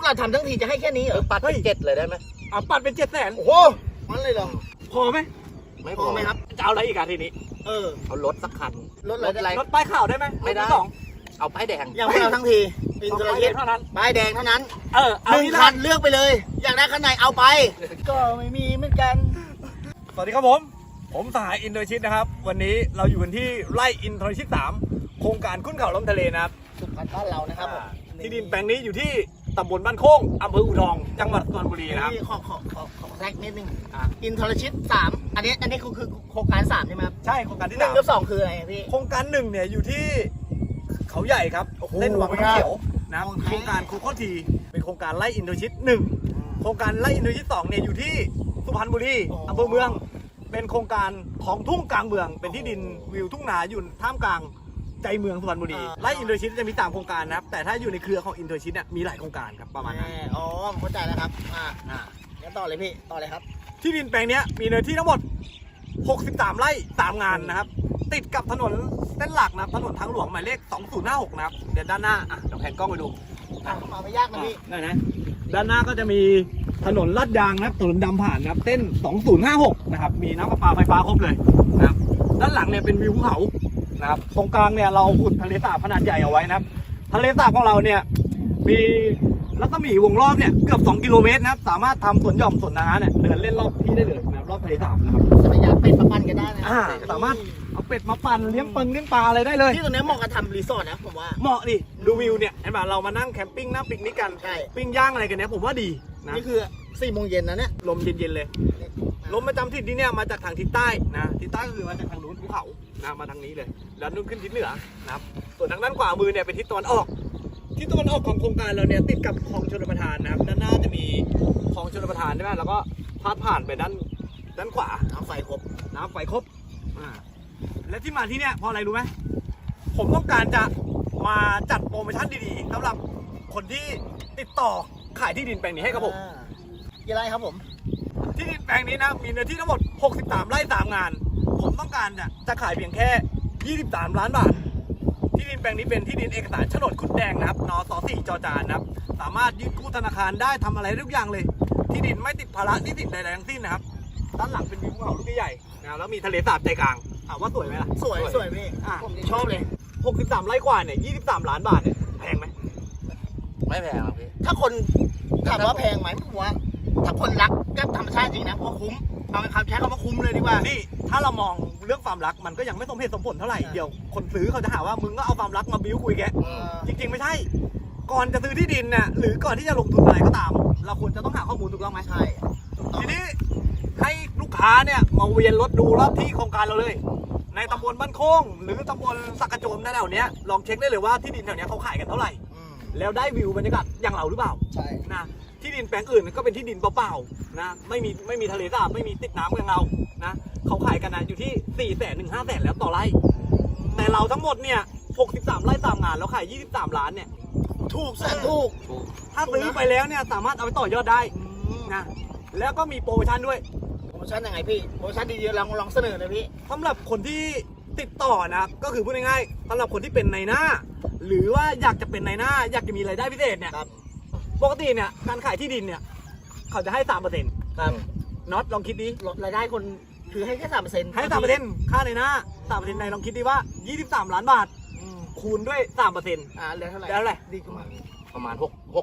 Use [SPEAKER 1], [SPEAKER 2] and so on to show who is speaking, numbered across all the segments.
[SPEAKER 1] เราทำทั้งทีจะให้แค่นี้เหรอ
[SPEAKER 2] ปัดเป็น7เลยได้ไหม
[SPEAKER 3] เอาปัดเป็น700,000
[SPEAKER 1] โอ้โหมันเลยเหรอ
[SPEAKER 3] พอไหม
[SPEAKER 2] ไม่
[SPEAKER 1] พอไหมครับ
[SPEAKER 3] จะเอาอะไรอีกอะทีนี้
[SPEAKER 2] เอารถสักคัน
[SPEAKER 1] รถอะไร
[SPEAKER 3] รถป้ายขาวได้ไหม
[SPEAKER 2] ไม่ได้
[SPEAKER 3] รถที่สอง
[SPEAKER 2] เอาป้ายแดง
[SPEAKER 1] ยังไม่เอาทั้งทีอิน
[SPEAKER 3] เอา
[SPEAKER 1] ทร
[SPEAKER 3] ป้าย
[SPEAKER 1] ชิ
[SPEAKER 3] เดี
[SPEAKER 1] ต
[SPEAKER 3] ยวเท่านั้น
[SPEAKER 1] ป้ายแดงเท่านั้น
[SPEAKER 3] เอา
[SPEAKER 1] หนึ่ง
[SPEAKER 3] ที่
[SPEAKER 1] คันเลือกไปเลย อยากได้คันไหนเอาไป ก็ไม่มีเหมือนกัน
[SPEAKER 3] สวัสดีครับผมสหายอินโดชิตนะครับ วันนี้เราอยู่กันที่ไร่อินโดชิต3โครงการขึ้นเขาล้มทะเลนะครับ
[SPEAKER 1] สุพรรณบ้านเรานะครับผม
[SPEAKER 3] ที่ดินแปลงนี้อยู่ที่ตำบลบ้านโค้งอำเภออู่ทองจังหวัดสุพรรณบุรีนะครับ
[SPEAKER 1] นี่ขอแทรกนิดนึง
[SPEAKER 3] อ่ะ
[SPEAKER 1] อินทรชิต3อันนี้คือโครงการ3ใช่ไหมครับ
[SPEAKER 3] ใช่โครงการที่
[SPEAKER 1] หนึ่ง
[SPEAKER 3] 3
[SPEAKER 1] กับ2คืออะไรอะพี่
[SPEAKER 3] โครงการ1เนี่ยอยู่ที่เขาใหญ่ครับ
[SPEAKER 1] โอ้โห
[SPEAKER 3] เล่นวังน้ำเขียวนะครับ
[SPEAKER 1] โอเค
[SPEAKER 3] โครงการคูโคทีเป็นโครงการไร่อินโดชิต1โครงการไร่อินโดชิต2เนี่ยอยู่ที่สุพรรณบุรีอำเภอเมือง เป็นโครงการของทุ่งกลางเมือง เป็นที่ดินวิวทุ่งนาอยู่ท่ามกลางใจเมืองสุพรรณบุรีไร่อินโดชิตจะมี3โครงการนะครับแต่ถ้าอยู่ในเครือของอินโดชิตเนี่ยมีหลายโครงการครับประมาณนั้น
[SPEAKER 1] อ๋อผมเข้าใจแล้วครับงั้นต่อเลยพี่ต่อเลยครับ
[SPEAKER 3] ที่ดินแปลงเนี้ยมีเนื้อที่ทั้งหมด63ไร่3งานนะครับติดกับถนนเส้นหลักนะครับถนนทางหลวงหมายเลข2056นะครับเดี๋ยวด้านหน้าเดี๋ยวแผนกล้องไปดู
[SPEAKER 1] เข้ามาไม่ยากนะพี่
[SPEAKER 3] ได้นะด้านหน้าก็จะมีถนนลาดยางนะครับถนนดำผ่านนะครับเส้น2056นะครับมีน้ำประปาไฟฟ้าครบเลยนะครับด้านหลังเนี่ยเป็นวิวภูเขานะครับตรงกลางเนี่ยเราขุดทะเลสาบขนาดใหญ่เอาไว้นะครับทะเลสาบของเราเนี่ยมีรัศมีวงรอบเนี่ยเกือบ2 กิโลเมตรนะครับสามารถทำสวนหย่อมสวนนาเนี่ยเดินเล่นรอบที่ได้เลยนะครับรอบทะเลสาบนะครับ
[SPEAKER 1] ระยะเป็ดมาปั่นกันได้นะ
[SPEAKER 3] สามารถเอาเป็ดมาปั่นเลี้ยงปลาอะไรได้เลย
[SPEAKER 1] ที่ตรงนี้เหมาะกับทำรีสอร์ทนะผมว่า
[SPEAKER 3] เหมาะดิดูวิวเนี่ยเห็นป่ะเรามานั่งแคมปิ้งนั่งปิกนิกกัน
[SPEAKER 1] ใช่
[SPEAKER 3] ปิ้งย่างอะไรกันเนี่ยผมว่าดีนะ
[SPEAKER 1] นี่คือ4 โมงเย็นนะเนี่ย
[SPEAKER 3] ลมเย็นๆเลยลมประจำทิศที่เนี่ยมาจากทางทิศใต้นะทิศใต้ก็คือมาจากทางนู้นภูเขานะมาทางนี้เลยด้านนู้นขึ้นทิศเหนือนะครับส่วนทางด้านขวามือเนี่ยเป็นทิศตะวันออกทิศตะวันออกของโครงการเราเนี่ยติดกับคลองชลประทานนะครับด้านหน้าจะมีคลองชลประทานใช่ไหมแล้วก็พาดผ่านไปด้านขวา
[SPEAKER 1] น้ำไฟครบ
[SPEAKER 3] น้ำไฟครบและที่มาที่เนี่ยเพราะอะไรรู้ไหมผมต้องการจะมาจัดโปรโมชั่นดีๆสำหรับคนที่ติดต่อขายที่ดินแปลงนี้ให้กับผม
[SPEAKER 1] กี่ไร่ครับผม
[SPEAKER 3] ที่ดินแปลงนี้นะมีเนื้อที่ทั้งหมด63ไร่3งานผมต้องการจะขายเพียงแค่23ล้านบาทที่ดินแปลงนี้เป็นที่ดินเอกสารโฉนดคุดแดงนะครับนส4 จอจานนะครับสามารถยื่นกู้ธนาคารได้ทำอะไรทุกอย่างเลยที่ดินไม่ติดภาระหนี้สินใดๆทั้งสิ้นนะครับด้านหลังเป็นวิวภูเขาลูกใหญ่ๆนะแล้วมีทะเลสาบใจกลางถามว่าสวยไหมล่ะ
[SPEAKER 1] สวยพี่ผมชอบเลย
[SPEAKER 3] 63ไร่กว่าเนี่ย23ล้านบาทเนี่ยแพงไหม
[SPEAKER 2] ไม่แพงหรอกพี่
[SPEAKER 1] ถ้าคนถามว่าแพงไหมผมว่า ถ้าคนรักกับธรรมชาติจริงนะผมว่าคุ้มเอาคำใช้คำว่าคุ้มเลยดีกว่า
[SPEAKER 3] นี่ถ้าเรามองเรื่องความรักมันก็ยังไม่สมเหตุสมผลเท่าไหร่เดี๋ยวคนซื้อเขาจะหาว่ามึงก็เอาความรักมาบิ้วคุยแกจริงๆไม่ใช่ก่อนจะซื้อที่ดินน่ะหรือก่อนที่จะลงทุนอะไรก็ตาม เราควรจะต้องหาข้อมูลถูกต้องไหม
[SPEAKER 1] ใช่
[SPEAKER 3] ทีนี้ให้ลูกค้าเนี่ยมาเวียนรถดูรอบที่โครงการเราเลย ในตำบลบ้านโค้งหรือตำบลสักกระโจมแถวๆเนี้ยลองเช็คได้เลยว่าที่ดินแถวเนี้ยเขาขายกันเท่าไหร่แล้วได้วิวบรรยากาศอย่างเราหรือเปล่า
[SPEAKER 1] ใช่
[SPEAKER 3] นะที่ดินแปลงอื่นก็เป็นที่ดินเปล่าๆนะไม่มีทะเลสาบไม่มีติดน้ำอย่างเรานะเขาขายกันนะอยู่ที่400,000 ถึง 500,000แล้วต่อไร่แต่เราทั้งหมดเนี่ย63ไร่3งานแล้วขาย23ล้านเนี่ย
[SPEAKER 1] ถูกแสนถูก
[SPEAKER 3] ถ้าซื้อไปแล้วเนี่ยสามารถเอาไปต่อยอดได้นะแล้วก็มีโปรโมชั่นด้วย
[SPEAKER 1] โปรโมชั่นยังไงพี่โปรโมชั่นดีๆลองเสนอหน่อยพี่
[SPEAKER 3] สำหรับคนที่ติดต่อนะก็คือพูดง่ายๆสำหรับคนที่เป็นนายหน้า หรือว่าอยากจะเป็นนายหน้าอยากจะมีรายได้พิเศษเนี่ย
[SPEAKER 1] ครับ
[SPEAKER 3] ปกติเนี่ยการขายที่ดินเนี่ยเขาจะให้ 3%
[SPEAKER 1] ครับ
[SPEAKER 3] น็อตลองคิดดิ
[SPEAKER 1] ลดรายได้คนคือให้แค่3%
[SPEAKER 3] ให้ 3%ค่าในหน้า 3% ในลองคิดดิว่า 23 ล้านบาท คูณด้วย 3%
[SPEAKER 1] เหลือเท่าไหร่
[SPEAKER 3] แล้วอะไร
[SPEAKER 1] ดีขึ้นมา
[SPEAKER 2] ประมาณ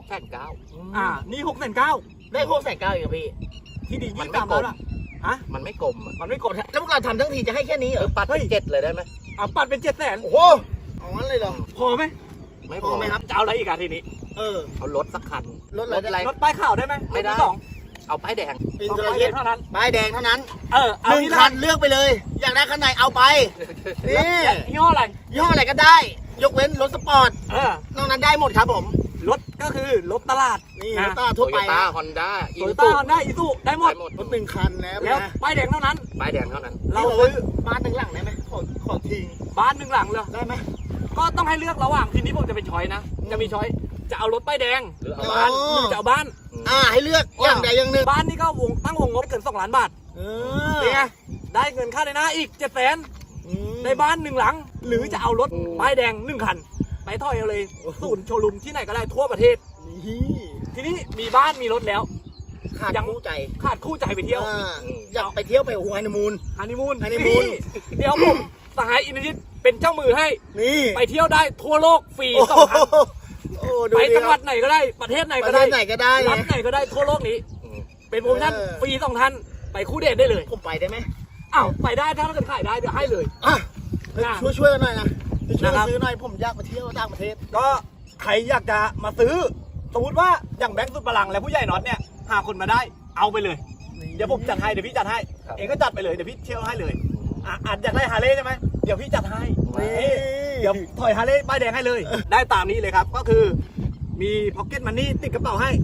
[SPEAKER 2] 6,900,000
[SPEAKER 3] นี่6,900,000
[SPEAKER 1] ได้6,900,000อีกพี่
[SPEAKER 3] ที่ดิน
[SPEAKER 2] มันไม่
[SPEAKER 3] 23
[SPEAKER 2] กล
[SPEAKER 3] ล้าน
[SPEAKER 2] ม
[SPEAKER 3] อะฮะ
[SPEAKER 2] มันไม่กลมอะ
[SPEAKER 3] มันไม่กด
[SPEAKER 1] แล้วพวกเราทำทั้งทีจะให้แค่นี้เหรอ
[SPEAKER 2] ปัดเป็น7เลยได้ไหม
[SPEAKER 3] เอาปัดเป็น 700,000
[SPEAKER 1] โอ้โหเอางั้นเลยเหรอ
[SPEAKER 3] พอไหม
[SPEAKER 2] ไม่
[SPEAKER 1] พอไหมครับ
[SPEAKER 3] จะเอาอะไรอีกอะทีนี้
[SPEAKER 2] เอารถสักคัน
[SPEAKER 1] รถอะไร
[SPEAKER 3] รถป้ายขาวได้ไหม
[SPEAKER 2] ไม่ได้
[SPEAKER 3] รถที่สอง
[SPEAKER 2] เอาป้ายแดง
[SPEAKER 1] อิน
[SPEAKER 3] เอา
[SPEAKER 1] ทร
[SPEAKER 3] ป้าย
[SPEAKER 1] ชิ
[SPEAKER 3] เดี
[SPEAKER 1] ต
[SPEAKER 3] ยวเท่านั้น
[SPEAKER 1] ป้ายแดงเท่านั้น
[SPEAKER 3] เอา
[SPEAKER 1] หนึ่ง
[SPEAKER 3] ที่
[SPEAKER 1] คันเลือกไปเลย อยากได้คันไหนเอาไป นี่
[SPEAKER 3] ยี่ห้ออะไร
[SPEAKER 1] ยี่ห้ออะไรก็ได้ ยกเว้นรถสปอร์ต นอกนั้นได้หมดครับผม
[SPEAKER 3] รถก็คือรถตลาด
[SPEAKER 1] นี่
[SPEAKER 3] นะ
[SPEAKER 1] รถต้า
[SPEAKER 2] โต
[SPEAKER 1] ทั่ว
[SPEAKER 2] โย
[SPEAKER 1] ไป
[SPEAKER 2] ต้า
[SPEAKER 1] นะ
[SPEAKER 2] ฮอนด้าอิ
[SPEAKER 3] โต
[SPEAKER 2] น
[SPEAKER 3] โย
[SPEAKER 2] ซู
[SPEAKER 3] ต้าฮอนด้าอีซูได้หมด
[SPEAKER 1] รถ1 คันแล้ว
[SPEAKER 3] แล้ว
[SPEAKER 1] นะ
[SPEAKER 3] ป้ายแดงเท่านั้น
[SPEAKER 2] ป้ายแดงเท่านั้น
[SPEAKER 3] เรา
[SPEAKER 1] เรา
[SPEAKER 3] ซื้อ
[SPEAKER 1] บ้านหนึ่งหลังได้ไหมขอทิ้ง
[SPEAKER 3] บ้านหนึ่งหลังเลย
[SPEAKER 1] ได้ไหม
[SPEAKER 3] ก็ต้องให้เลือกระหว่างทีนี้ผมจะเป็นช้อยนะ จะมีช้อยจะเอารถป้ายแดง
[SPEAKER 2] หรือเอา
[SPEAKER 3] บ้านหรือจะเอาบ้าน
[SPEAKER 1] ให้เลือกอย่างใดอย่างหนึ่ง
[SPEAKER 3] บ้านนี่ก็ตั้งวงงบเกิน2 ล้านบาทเป็นไงได้เงินค่าในหน้าอีก700,000ได้บ้าน1 หลัง หรือจะเอารถป้ายแดง1 คัน ไปถอยเอาเลยศูนย์โชว์รูมที่ไหนก็ได้ทั่วประเทศ
[SPEAKER 1] นี่
[SPEAKER 3] ทีนี้มีบ้านมีรถแล้ว
[SPEAKER 1] ขาด
[SPEAKER 3] ยัง
[SPEAKER 1] คู่ใจ
[SPEAKER 3] ขาดคู่ใจไปเที่ยว
[SPEAKER 1] อยากไปเที่ยวไปฮันนีมูน
[SPEAKER 3] ฮันนีมูน
[SPEAKER 1] ฮันนีมูน
[SPEAKER 3] เดี๋ยวผมสหายอินทริตเป็นเจ้ามือให้
[SPEAKER 1] นี่
[SPEAKER 3] ไปเที่ยวได้ทั่วโลกฟรี
[SPEAKER 1] โอ้
[SPEAKER 3] สองครั้ง
[SPEAKER 1] โอ้ดู
[SPEAKER 3] ไป
[SPEAKER 1] ดิ
[SPEAKER 3] จังหวัดไหนก็ได้ประเทศไหน
[SPEAKER 1] ป
[SPEAKER 3] ก็
[SPEAKER 1] ระเท
[SPEAKER 3] ได้
[SPEAKER 1] ศไหนก็ได้
[SPEAKER 3] รัฐไหนก็ได้ทั่วโลกนี้
[SPEAKER 2] อืม
[SPEAKER 3] เป็นโปรโมชั่นฟรีสองท่านไปคู่เดทได้เลย
[SPEAKER 1] ผมไปได้ไหม
[SPEAKER 3] อ้าวไปได้ถ้าเราเกิดขายได้เดี๋ยวให้เลย
[SPEAKER 1] อ่ะ
[SPEAKER 3] นะ
[SPEAKER 1] ช่วยกันหน่อยนะช่วย
[SPEAKER 3] นะครับ
[SPEAKER 1] ซื้อหน่อยผมอยากไปเที่ยวต่างประเทศ
[SPEAKER 3] ก็ใครอยากจะมาซื้อสมมติว่าอย่างแบงค์สุดพลังและผู้ใหญ่น็อตเนี่ยหาคนมาได้เอาไปเลย เดี๋ยวผมจัดให้เดี๋ยวพี่จัดให้
[SPEAKER 2] ครับ
[SPEAKER 3] เองก็จัดไปเลยเดี๋ยวพี่เที่ยวให้เลยอาจอยากได้ฮาร์เลย์ใช่ไหมเดี๋ยวพี่จัดให้
[SPEAKER 1] นี่
[SPEAKER 3] เดี๋ยวถอยฮาร์เลย์ป้ายแดงให้เลย ได้ตามนี้เลยครับ ก็คือมีพ็อกเก็ตมันนี่ติดกระเป๋าให้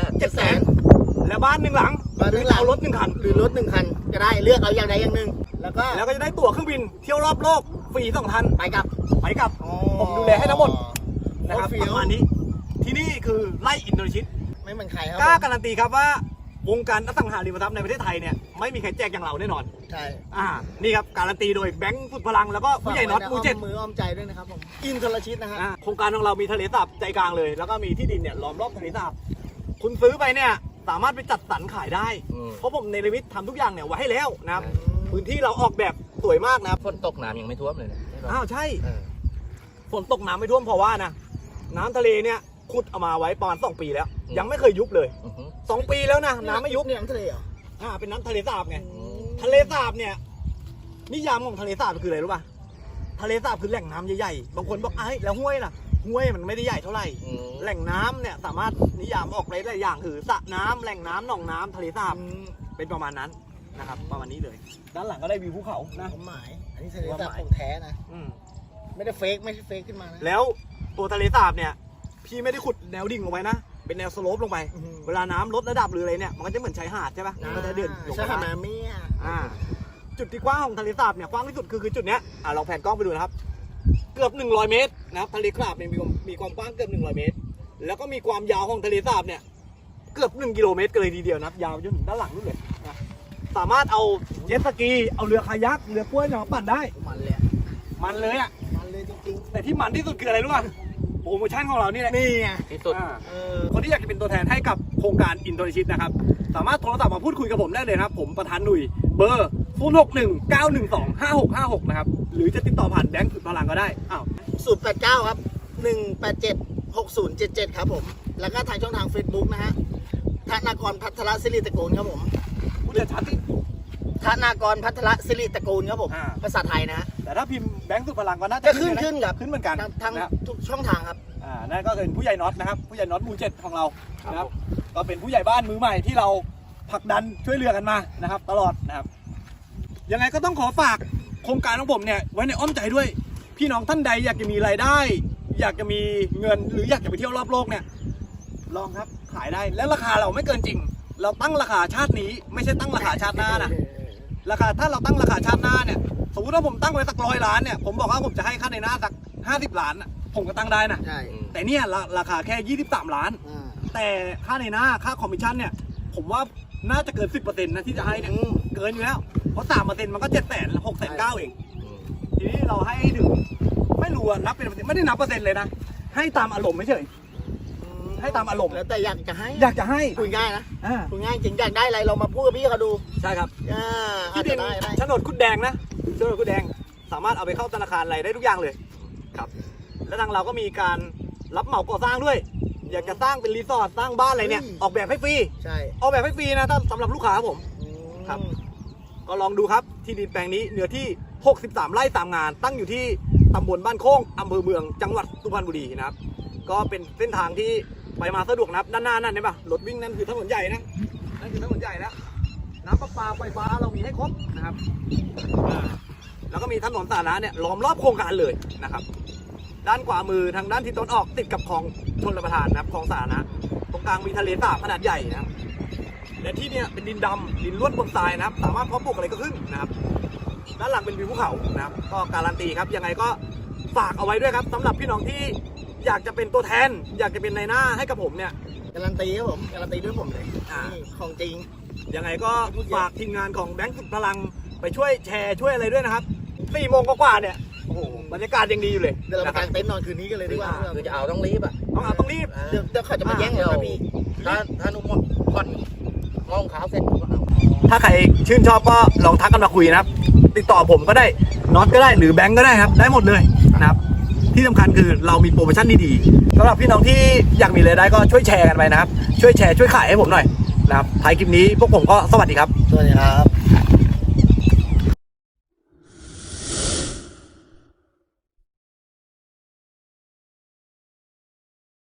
[SPEAKER 2] 700,000
[SPEAKER 3] แล้วบ้านหนึ่งหลัง
[SPEAKER 1] บ้านหนึ่งหลัง
[SPEAKER 3] เอารถหนึ่งคัน
[SPEAKER 1] หรือรถหนึ่งคันก็ได้เลือกเอาอย่างใดอย่างหนึ่งแล้วก็
[SPEAKER 3] แล้วก็จะได้ตั๋วเครื่องบินเที่ยวรอบโลกฟรี2 ท่าน
[SPEAKER 1] ไปกลับ
[SPEAKER 3] ไปกลับ ผมดูแลให้ทั้งหมด นะครับ
[SPEAKER 1] โอ้
[SPEAKER 3] ประมาณนี้ที่นี่คือไล่อินโดนีเซีย
[SPEAKER 1] ไม่เหมือนใครครับ
[SPEAKER 3] กล้าการันตีครับว่าวงการอสังหาริมทรัพย์ในประเทศไทยเนี่ยไม่มีใครแจกอย่างเราแน่นอน
[SPEAKER 1] ใช่
[SPEAKER 3] นี่ครับการันตีโดยแบงค์สุดพลังแล้วก็ผู้ใหญ่น็อตมูเจ็ด
[SPEAKER 1] มืออ้อมใจด้วยนะครับผมอินทรชิตนะฮะ
[SPEAKER 3] โครงการของเรามีทะเลสาบใจกลางเลย แล้วก็มีที่ดินเนี่ยล้อมรอบทะเลสาบคุณซื้อไปเนี่ยสามารถไปจัดสรรขายได้
[SPEAKER 2] อืม
[SPEAKER 3] เพราะผมในลิมิตทำทุกอย่างเนี่ยไว้ให้แล้วนะครับพื้นที่เราออกแบบสวยมากนะครับ
[SPEAKER 2] ฝนตกน้ำยังไม่ท่วมเลยนะ
[SPEAKER 3] อ้าวใช่
[SPEAKER 2] เออ
[SPEAKER 3] ฝนตกน้ำไม่ท่วมเพราะว่านะน้ำทะเลเนี่ยขุดเอามาไว้ประมาณ2 ปีแล้ว ยังไม่เคยยุบเลย
[SPEAKER 2] อือหือ
[SPEAKER 3] 2 ปีแล้วนะน้ำไม่ยุบ
[SPEAKER 1] เนี่ยน้ำทะเลเหรอ
[SPEAKER 3] เป็นน้ำทะเลสาบไง
[SPEAKER 2] อืม
[SPEAKER 3] ทะเลสาบเนี่ยนิยามของทะเลสาบคืออะไรรู้ป่ะทะเลสาบคือแหล่งน้ำใหญ่ๆบางคนบอกไอ้ยแล้วห้วยล่ะห้วยมันไม่ได้ใหญ่เท่าไหร่
[SPEAKER 2] อืม
[SPEAKER 3] แหล่งน้ำเนี่ยสามารถนิยามออกได้หลายอย่างคือสระน้ำแหล่งน้ำหนองน้ำทะเลสาบเป็นประมาณนั้นนะครับประมาณนี้เลย ด้านหลังก็ได้วิวภูเขานะ
[SPEAKER 1] ความหมาย อันนี้ทะเลสาบของแท้นะ
[SPEAKER 3] อืม
[SPEAKER 1] ไม่ได้เฟกไม่ใช่เฟกขึ้นมานะ
[SPEAKER 3] แล้วตัวทะเลสาบเนี่ยพี่ไม่ได้ขุดแนวดิ่งลงไปนะเป็นแนวสโลปลงไป เวลาน้ำลดระดับหรืออะไรเนี่ยมันก็จะเหมือนชายหาดใช่ปะมันก็จะเดินลง
[SPEAKER 1] ใช่
[SPEAKER 3] ไป
[SPEAKER 1] ค่ะ
[SPEAKER 3] ได้
[SPEAKER 1] มาเมีย
[SPEAKER 3] จุดที่กว้างของทะเลสาบเนี่ยกว้างที่สุดคือจุดเนี้ยลองแผนกล้องไปดูนะครับ เกือบ100 เมตรนะครับทะเลสาบเนี่ยมีความกว้างเกือบ100 เมตร แล้วก็มีความยาวของทะเลสาบเนี่ยเกือบ1 กิโลเมตรกันเลยทีเดียวนะครับยาวจนถึงด้านหลังนู่นเลยนะสามารถเอาเจ็ตสกีเอาเรือคายักเรือกล้วยเนี่ยมาปั่นได้
[SPEAKER 1] มันเลย
[SPEAKER 3] มันเลยอ่ะ
[SPEAKER 1] มันเลยจริง
[SPEAKER 3] แต่ที่มันที่สุดคืออะไรรู้ป่ะโปรโมชั่นของเรานี่แหละ
[SPEAKER 1] ๆนี่ไง
[SPEAKER 2] ที่สุด
[SPEAKER 3] คนที่อยากจะเป็นตัวแทนให้กับโครงการอินโดนีเซียนะครับ สามารถโทรศัพท์มาพูดคุยกับผมได้เลยนะครับ ผมประธานหนุ่ยเบอร์ 0619125656 นะครับ หรือจะติดต่อผ่านแบงค์สุดพลังก็ได้ อ้าว
[SPEAKER 1] 089 ครับ 187 6077 ครับผม แล้วก็ทางช่องทาง Facebook นะฮะธนากรพัทรศิริตระกูลครับผม
[SPEAKER 3] พูดชัดๆสิ
[SPEAKER 1] ธนากรพัทรศิริตระกูลครับผม
[SPEAKER 3] อ่า
[SPEAKER 1] ภาษาไทยนะฮะ
[SPEAKER 3] แต่ถ้าพิมพ์แบงค์สุดพลังก็น่าจะ
[SPEAKER 1] จะขึ้น
[SPEAKER 3] นะ
[SPEAKER 1] ขึ้นครับ
[SPEAKER 3] ขึ้นเหมือนกัน
[SPEAKER 1] ทาง
[SPEAKER 3] นะครับ
[SPEAKER 1] ทุกช่องทางครับ
[SPEAKER 3] นั่นก็เป็นผู้ใหญ่น็อตนะครับ ผู้ใหญ่น็อตหมู่7ของเรานะครับ ก็เป็นผู้ใหญ่บ้านมือใหม่ที่เราผลักดันช่วยเหลือกันมานะครับ ตลอดนะครับ ยังไงก็ต้องขอฝากโครงการของผมเนี่ยไว้ในอ้อมใจด้วย พี่น้องท่านใดอยากจะมีรายได้ อยากจะมีเงินหรืออยากจะไปเที่ยวรอบโลกเนี่ยลองครับขายได้และราคาเราไม่เกินจริง เราตั้งราคาชาตินี้ไม่ใช่ตั้งราคาชาติหน้านะราคาถ้าเราตั้งราคาชาติหน้าเนี่ยสมมติว่าผมตั้งไว้สัก100 ล้านเนี่ยผมบอกว่าผมจะให้ค่าในหน้าสัก50 ล้านน่ะผมก็ตั้งได้นะ
[SPEAKER 1] ใช่
[SPEAKER 3] แต่เนี่ยราคาแค่23 ล้าน แต่ค่าในหน้าค่าคอมมิชชั่นเนี่ยผมว่าน่าจะเกิน 10% นะที่จะให้เนี่ยเกินอยู่แล้วเพราะ3%มันก็700,000-690,000เอง
[SPEAKER 2] อืม
[SPEAKER 3] ทีนี้เราให้ถึงไม่รู้อะนับเป็นเปอร์เซ็นต์ไม่ได้นับเปอร์เซ็นต์เลยนะให้ตามอารมณ์ไม่เฉยให้ตามอารมณ์
[SPEAKER 1] แล้วแต่อยากจะให้
[SPEAKER 3] อยากจะให้
[SPEAKER 1] คุยง่ายนะ
[SPEAKER 3] อ่า
[SPEAKER 1] คุยง่ายจริงอยากได้อะไรเรามาพูดกับพี่เขาดู
[SPEAKER 3] ใช่ครับ
[SPEAKER 1] อาจ
[SPEAKER 3] ที่ดิ
[SPEAKER 1] จะ
[SPEAKER 3] น
[SPEAKER 1] ได้
[SPEAKER 3] โฉนดคุดแดงนะโฉนดคุดแดงสามารถเอาไปเข้าธนาคารอะไรได้ทุกอย่างเลยครับ และทางเราก็มีการรับเหมาก่อสร้างด้วย อยากจะสร้างเป็นรีสอร์ทสร้างบ้านอะไรเนี่ยออกแบบให้ฟรี
[SPEAKER 1] ใช่
[SPEAKER 3] ออกแบบให้ฟรีนะถ้าสำหรับลูกค้าผม
[SPEAKER 1] ค
[SPEAKER 3] ครั
[SPEAKER 1] รับ
[SPEAKER 3] บ ก็ลองดูครับที่ดินแปลงนี้เนื้อที่ 63 ไร่3 งาน ตั้งอยู่ที่ตำบลบ้านโค้งอำเภอเมืองจังหวัดสุพรรณบุรีนะครับ ก็เป็นเส้นทางที่ไปมาสะดวกนะครับด้านหน้านั่นเห็นปะรถวิ่งนั่นคือถนนใหญ่นะนั่นคือถนนใหญ่แล้วน้ำประปาไฟฟ้าเรามีให้ครบนะครับแล้วก็มีถนนสาธารณะเนี่ยล้อมรอบโครงการเลยนะครับ ด้านขวามือทางด้านทิศตะวันออกติดกับคลองชลประทานนะครับคลองสาธารณะตรงกลางมีทะเลสาบขนาดใหญ่นะครับและที่เนี่ยเป็นดินดำดินล้วนบนทรายนะครับ สามารถเพาะปลูกอะไรก็ขึ้นนะครับ ด้านหลังเป็นวิวภูเขานะครับก็การันตีครับยังไงก็ฝากเอาไว้ด้วยครับสำหรับพี่น้องที่อยากจะเป็นตัวแทน อยากจะเป็นนายหน้าให้กับผมเนี่ย
[SPEAKER 1] การันตีครับผมการันตีด้วยผมเลย
[SPEAKER 3] อ่า
[SPEAKER 1] นี่ของจริง
[SPEAKER 3] ยังไงก็ฝากทีมงานของแบงค์สุดพลังไปช่วยแชร์ช่วยอะไรด้วยนะครับ4 โมงกว่าๆเนี่ยโอ้โหบรรยากาศยังดีอยู่เลย
[SPEAKER 1] เดี๋ยวเรา
[SPEAKER 3] นะ
[SPEAKER 1] มากา
[SPEAKER 3] ครับ
[SPEAKER 1] งเต็นท์นอนคืนนี้กันเลยดีกว่า
[SPEAKER 2] คือจะเอาต้องรีบอ่ะ
[SPEAKER 3] ต้องรีบ
[SPEAKER 1] เดี๋ยวเขาจะมาแย่งเราพี่
[SPEAKER 2] ถ้านุ่มก่อนมองขาวเสร็จผมก็เอา
[SPEAKER 3] ถ้าใครชื่นชอบก็ลองทักกันมาคุยนะครับ ติดต่อผมก็ได้น็อตก็ได้หรือแบงก์ก็ได้ครับได้หมดเลยนะครับที่สำคัญคือเรามีโปรโมชั่นดีๆสำหรับพี่น้องที่อยากมีรายได้ก็ช่วยแชร์กันไปนะครับช่วยแชร์ช่วยขายให้ผมหน่อยนะครับท้ายคลิปนี้พวกผมก็สวัสดีครับ
[SPEAKER 1] สวัสดีครับ